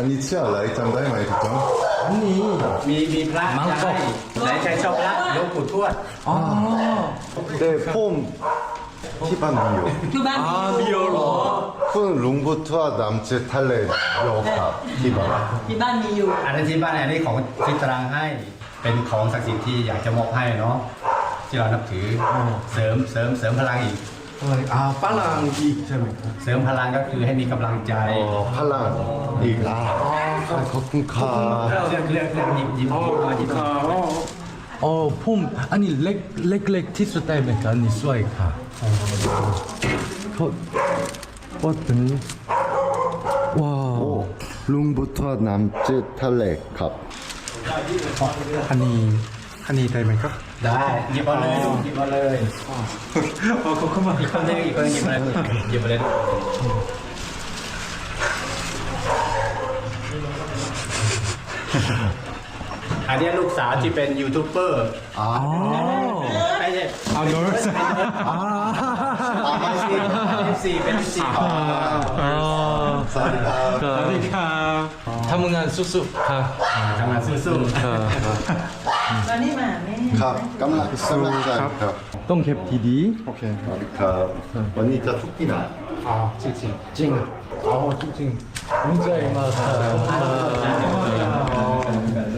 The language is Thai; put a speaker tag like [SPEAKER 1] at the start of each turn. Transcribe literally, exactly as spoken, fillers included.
[SPEAKER 1] อันนี้เชื่ออะไรจำได้ไหมทุกคน
[SPEAKER 2] อันนี้
[SPEAKER 3] มีมีพระใช่ไหนใครชอบพระหลวงปู่ทวด
[SPEAKER 2] อ๋อ
[SPEAKER 1] แต่ผมที่บ้านมีอยู่
[SPEAKER 4] คือบ้าน
[SPEAKER 2] อ่ามีเหรอ
[SPEAKER 1] คุณลุงพุทธวดำเจทะเลโยครับที่บ้าน
[SPEAKER 4] ที่บ้านมีอยู่
[SPEAKER 3] อันนั้นที่บ้านอันนี้ของที่ตรังให้เป็นของศักดิ์สิทธิ์ที่อยากจะมอบให้เนาะที่เรานับถือเสริมเสริมเสริมพลังอีก
[SPEAKER 2] อะไรอ่าฝรั่งอีกใช่ไหมครับ
[SPEAKER 3] เสริมพลังก็คือให้มีกำลังใจ
[SPEAKER 1] อ๋อพลังอีกแล้วขอบคุณค่ะ
[SPEAKER 3] เรื่องเรื่องเรื่องหยิบหยิบหยิบมาหยิบมา
[SPEAKER 2] อ๋อผมอันนี้เล็กเล็กเล็กที่สุดได้ไหมครับอันนี้สวยค่ะเขาว่าเป็นว้าว
[SPEAKER 1] ลุงพุทธวดำเจทะเลครับ
[SPEAKER 2] อันนี้อันนี้ได้ไหมครับ
[SPEAKER 3] ได้หยิบเอาเลยลูกหยิบเอาเลย
[SPEAKER 2] อ๋อเขาเข้ามา
[SPEAKER 3] อีกคนนึงอีกคนนึงหยิบมาเลยหยิบมาเลยอันนี้ลูกสาวที่เป็นยูทูบเบอร์
[SPEAKER 2] อ๋อ
[SPEAKER 3] ไม่ใช่
[SPEAKER 2] เอาเนอะอ่า
[SPEAKER 3] เป็นสี่เป็นสี่ของ
[SPEAKER 2] อ๋อ
[SPEAKER 1] สวัสดีครับ
[SPEAKER 2] สวัสดีครับทำงานสุดๆครับ
[SPEAKER 3] ทำงานสู้ๆ
[SPEAKER 2] ครับ
[SPEAKER 4] ตอนนี้มาแม่
[SPEAKER 1] ครับกำลังกำลังใจครับ
[SPEAKER 2] ต้องเก็บทีดีโอเค
[SPEAKER 1] สวัสดีครับวันนี้จะทุกที่นะ
[SPEAKER 2] อ่าจริงจริงจริงอ๋อจริงจริงดีใจมากครับ